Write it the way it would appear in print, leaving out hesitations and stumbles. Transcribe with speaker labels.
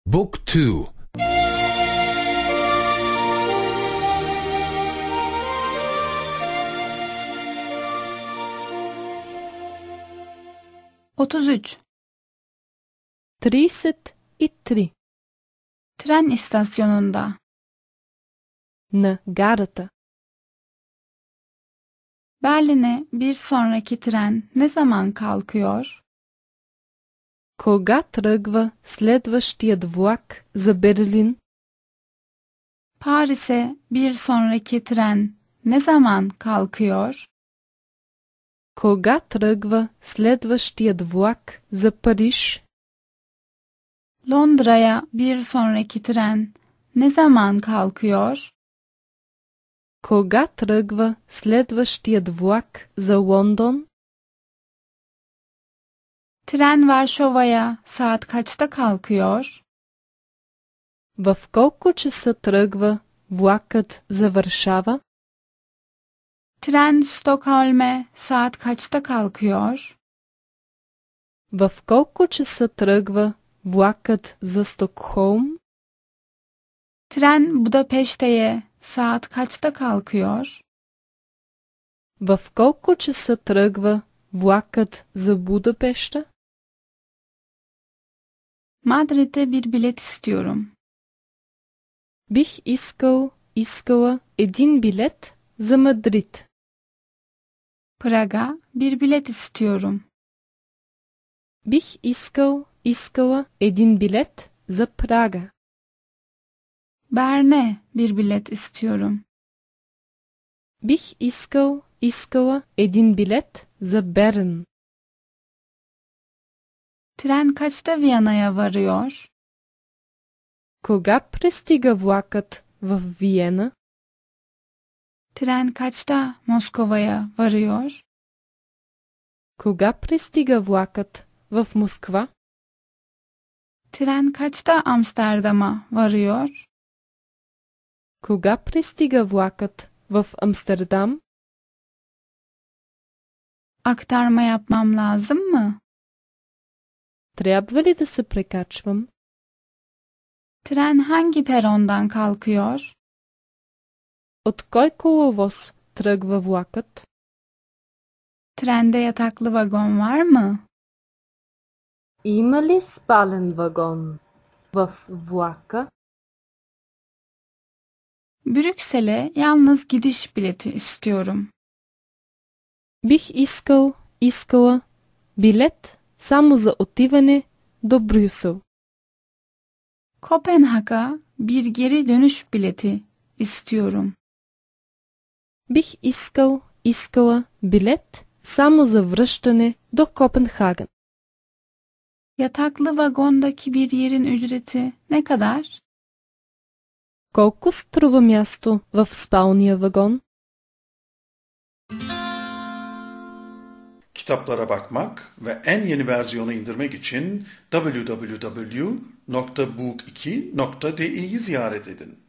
Speaker 1: Book 2.
Speaker 2: 33.
Speaker 3: 33.
Speaker 2: Tren istasyonunda.
Speaker 3: На гарата.
Speaker 2: Berlin'e bir sonraki tren ne zaman kalkıyor?
Speaker 3: Кога тръгва следващият влак за Берлин?
Speaker 2: Paris'e bir sonraki tren ne zaman kalkıyor?
Speaker 3: Кога тръгва следващият влак за Париж?
Speaker 2: Londra'ya bir sonraki tren ne zaman kalkıyor?
Speaker 3: Кога тръгва следващият влак за Лондон?
Speaker 2: Tren Varşova'ya saat kaçta kalkıyor?
Speaker 3: В колко часа тръгва влакът за Варшава?
Speaker 2: Tren Stockholm'e saat kaçta kalkıyor?
Speaker 3: В колко часа тръгва влакът за Стокхолм?
Speaker 2: Tren Budapeşte'ye saat kaçta kalkıyor?
Speaker 3: В колко часа тръгва влакът за Будапеща?
Speaker 2: Madrid'e bir bilet istiyorum.
Speaker 3: Бих искала един билет за Мадрид.
Speaker 2: Prag'a bir bilet istiyorum.
Speaker 3: Бих искала един билет за Прага.
Speaker 2: Bern'e bir bilet istiyorum.
Speaker 3: Бих искала един билет за Берн.
Speaker 2: Tren kaçta Viyana'ya varıyor?
Speaker 3: Кога пристига влакът в Виена?
Speaker 2: Tren kaçta Moskova'ya varıyor?
Speaker 3: Кога пристига влакът в Москва?
Speaker 2: Tren kaçta Amsterdam'a varıyor?
Speaker 3: Кога пристига влакът в Амстердам?
Speaker 2: Aktarma yapmam lazım mı?
Speaker 3: Трябва ли да се прекачвам?
Speaker 2: Tren hangi perondan kalkıyor?
Speaker 3: От кой коловоз тръгва влакът?
Speaker 2: Trende yataklı vagon var mı?
Speaker 4: Има ли спален вагон в влака?
Speaker 2: Brüksel'e yalnız gidiş bileti istiyorum.
Speaker 3: Бих искала билет само за отиване до Брюсел.
Speaker 2: Kopenhag'a bir geri dönüş bileti istiyorum.
Speaker 3: Бих искала билет само за връщане до Копенхаген.
Speaker 2: Yataklı vagondaki bir yerin ücreti ne kadar?
Speaker 3: Колко струва място в спалния вагон?
Speaker 5: Kitaplara bakmak ve en yeni versiyonu indirmek için www.book2.de'yi ziyaret edin.